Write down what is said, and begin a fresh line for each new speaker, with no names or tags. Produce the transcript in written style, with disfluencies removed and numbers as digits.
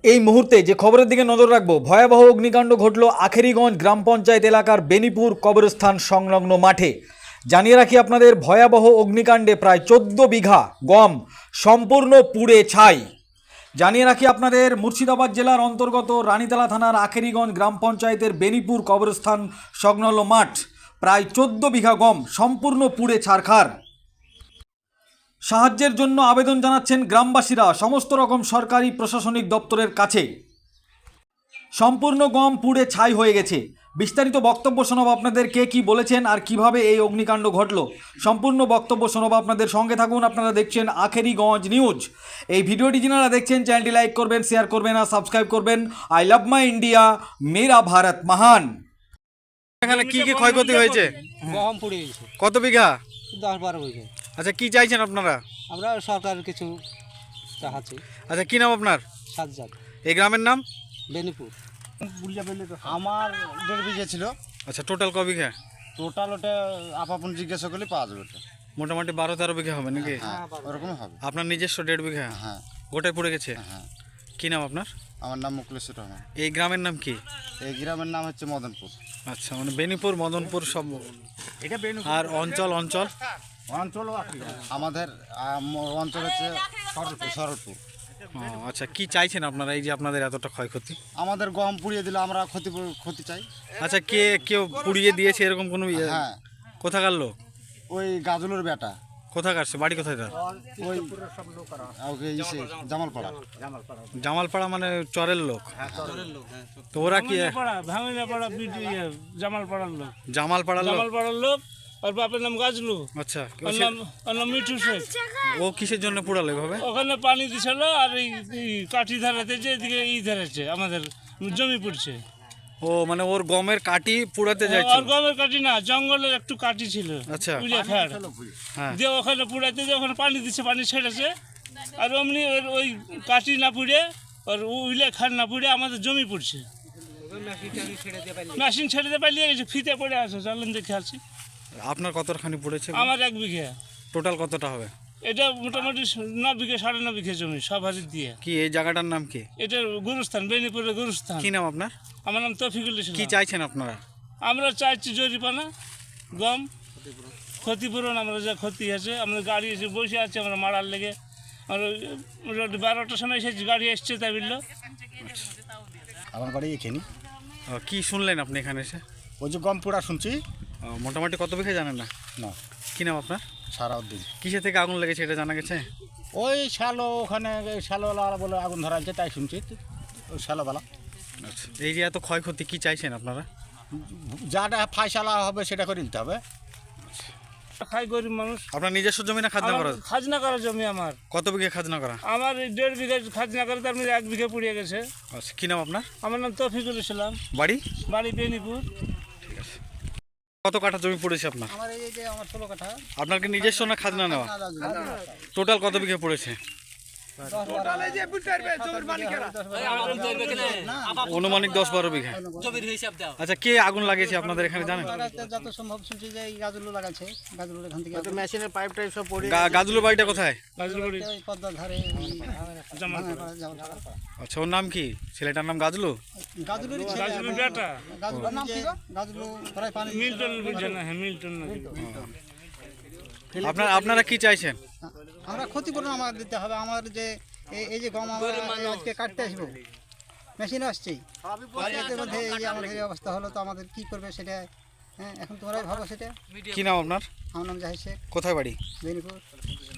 এই মুহূর্তে যে খবরের দিকে নজর রাখবো, ভয়াবহ অগ্নিকাণ্ড ঘটল আখেরিগঞ্জ গ্রাম পঞ্চায়েত এলাকার বেনিপুর কবরস্থান সংলগ্ন মাঠে। জানিয়ে রাখি আপনাদের, ভয়াবহ অগ্নিকাণ্ডে প্রায় 14 বিঘা গম সম্পূর্ণ পুড়ে ছাই। জানিয়ে রাখি আপনাদের, মুর্শিদাবাদ জেলার অন্তর্গত রানীতলা থানার আখেরিগঞ্জ গ্রাম পঞ্চায়েতের বেনিপুর কবরস্থান সংলগ্ন মাঠ, প্রায় 14 বিঘা গম সম্পূর্ণ পুড়ে ছারখার। সাহায্যের জন্য আবেদন জানাচ্ছেন গ্রামবাসীরা সমস্ত রকম সরকারি প্রশাসনিক দপ্তরের কাছে। সম্পূর্ণ গম পুড়ে ছাই হয়ে গেছে। বিস্তারিত বক্তব্য শোনাব আপনাদের, কে কি বলেছেন আর কিভাবে এই অগ্নিকাণ্ড ঘটল। সম্পূর্ণ বক্তব্য শোনাব আপনাদের, সঙ্গে থাকুন। আপনারা দেখছেন আখেরিগঞ্জ নিউজ। এই ভিডিওটি যারা দেখছেন, চ্যানেলটি লাইক করবেন, শেয়ার করবেন আর সাবস্ক্রাইব করবেন। আই লাভ মাই ইন্ডিয়া, মেরা ভারত মহান। এখানে কি কি ক্ষয়ক্ষতি হয়েছে?
গম পুড়ে গেছে
কত বিঘা?
10-12 বিঘে।
আচ্ছা, কি চাইছেন আপনারা?
আমরা সরকারের কিছু চাচ্ছি।
আচ্ছা, কি নাম আপনার?
সাজ্জাদ,
এই গ্রামের নাম?
বেনিপুর।
আমার 1.5 বিঘে ছিল।
আচ্ছা, টোটাল ক বিঘা?
টোটাল ওটা আপাপন জিজ্ঞাসা করলে পাওয়া যাবে ওটা।
মোটামুটি 12-13 বিঘা হবে নাকি?
হ্যাঁ, ওরকম হবে।
আপনার নিজস্ব 1.5 বিঘা?
হ্যাঁ
গোটায় পড়ে গেছে?
হ্যাঁ।
কি নাম আপনার?
আমার নাম মুকলেশ্বর রহমান।
এই গ্রামের নাম কি?
এই গ্রামের নাম হচ্ছে মদনপুর।
আচ্ছা, মানে বেনিপুর, মদনপুর সব। আর অঞ্চল অঞ্চল
আমাদের অঞ্চল হচ্ছে সরলপুর।
ও, আচ্ছা, কি চাইছেন আপনারা এই যে আপনাদের এতটা ক্ষয়ক্ষতি?
আমাদের গম পুড়িয়ে দিলে আমরা ক্ষতি চাই।
আচ্ছা, কেউ পুড়িয়ে দিয়েছে এরকম কোনো
হ্যাঁ,
কোথাকার লোক?
ওই গাজলের বেটা,
কোথাকার সে? বাড়ি কোথায় তার?
ওই ওকে জামালপাড়া।
জামালপাড়া মানে চরের লোক? তো ওরা কি
ভাঙিনাপাড়া জামালপাড়ার লোক।
জামালপাড়ার লোক?
জামালপাড়ার লোক। আর বাপের নাম গাজলু।
আচ্ছা,
ওর নাম মিঠু শেখ।
ও কিসের জন্য পুড়ালো এভাবে?
ওখানে পানি দিছিল আর এই কাঠি ধারাতে যে এদিকে ধরেছে, আমাদের জমি পড়ছে।
ও, মানে ওর গমের কাঠি পুড়াতে যাচ্ছে?
আর গমের কাঠি না, জঙ্গলের একটু কাঠি ছিল।
আচ্ছা, হ্যাঁ।
দিয়ে ওখানে পুড়াইতে যে ওখানে পানি দিচ্ছে, পানি ছেড়েছে। আর অমনি ওই কাঠি না পুড়ে, আর উইলে খাট না পুড়ে আমাদের জমি পড়ছে। মেশিন ছেড়ে দিয়ে পালিয়ে গেছে, ফিতে পড়ে আছে। চলেন দেখে আসি।
আপনার কতখানি পড়েছে?
আমার 1 বিঘা।
টোটাল কতটা হবে?
এটা মোটামুটি 9 বিঘা 9.5 বিঘা জমি সব হাজির দিয়ে।
কি এই জায়গাটার নাম কি?
এটা গুরুস্থান, বেনিপুরের গুরুস্থান।
কি নাম আপনার?
আমার নাম তৌফিকুল ইসলাম।
কি চাইছেন আপনারা?
আমরা চাইছি জরিপানা, গম ক্ষতিপূরণ। আমরা যা ক্ষতি আছে, আমাদের গাড়ি এসে বসে আছে, আমরা মারার লেগে। আমরা 12টার সময় এসেছি, গাড়ি এসছে তাই বললো।
আমার বাড়ি এখানে।
কি শুনলেন আপনি এখানে এসে?
ওই যে গম পোড়া শুনছি।
মোটামুটি কত বিঘা জানেন না?
না,
কি নাম আপনার?
সারাউদ্দিন।
কিসে থেকে আগুন লেগেছে এটা জানা গেছে?
ওই শ্যালো, ওখানে শ্যালোওয়ালা বলে আগুন ধরা আছে, তাই শুনছি। ওই শ্যালোবেলা।
আচ্ছা, এই যে এত ক্ষয়ক্ষতি, কি চাইছেন আপনারা?
যাটা ফায়সালা হবে সেটা করে নিতে হবে।
খাই গরিব মানুষ।
আপনার নিজস্ব জমি না খাজনা করা?
খাজনা করা জমি আমার।
কত বিঘা খাজনা করা?
আমার 1.5 বিঘা খাজনা করে, তার মধ্যে 1 বিঘা পুড়িয়ে গেছে।
আচ্ছা, কি নাম আপনার?
আমার নাম তৌফিকুল ইসলাম।
বাড়ি?
বাড়ি বেনিপুর।
কত কাঠা জমি পড়েছে আপনার?
আমার এই যে আমার 16 কাঠা।
আপনার কি নিজস্ব না খাজনা নেওয়া? টোটাল কত বিঘা পড়েছে? অনুমানিক 10-12 বিঘা। আচ্ছা, কে আগুন লাগিয়েছে আপনাদের এখানে জানেন?
যত সম্ভব শুনছি যে এই গাজলু লাগাচ্ছে। গাজলুর এখান থেকে
মেশিনের পাইপ টাইপ সব পড়ে
গাজুলের বাড়িটা কোথায়?
ওই পদ্মার ধারে জামালপাড়া।
আচ্ছা, ওর নাম কি? ছেলেটার নাম গাজলু?
গাজলুরই ছেলে।
গাজলুর বেটা।
গাজলুর নাম কি? গাজলু প্রায় পানি
মিল্টন বুঝছে না? হ্যাঁ, মিল্টন নাকি।
আপনারা কি চাইছেন?
আমরা ক্ষতিপূরণ আমাদের দিতে হবে। আমার যে এই যে গম আমরা আজকে কাটতে আসবো, মেশিন আসছেই। আর এর মধ্যে এই যে আমাদের এই অবস্থা হলো, তো আমাদের কি করবে সেটা। হ্যাঁ, এখন তোমরাই ভাবো সেটা।
কি নাম আপনার?
আমার নাম জাহিদ শেখ,
কোথায় বাড়ি?
বেনিপুর।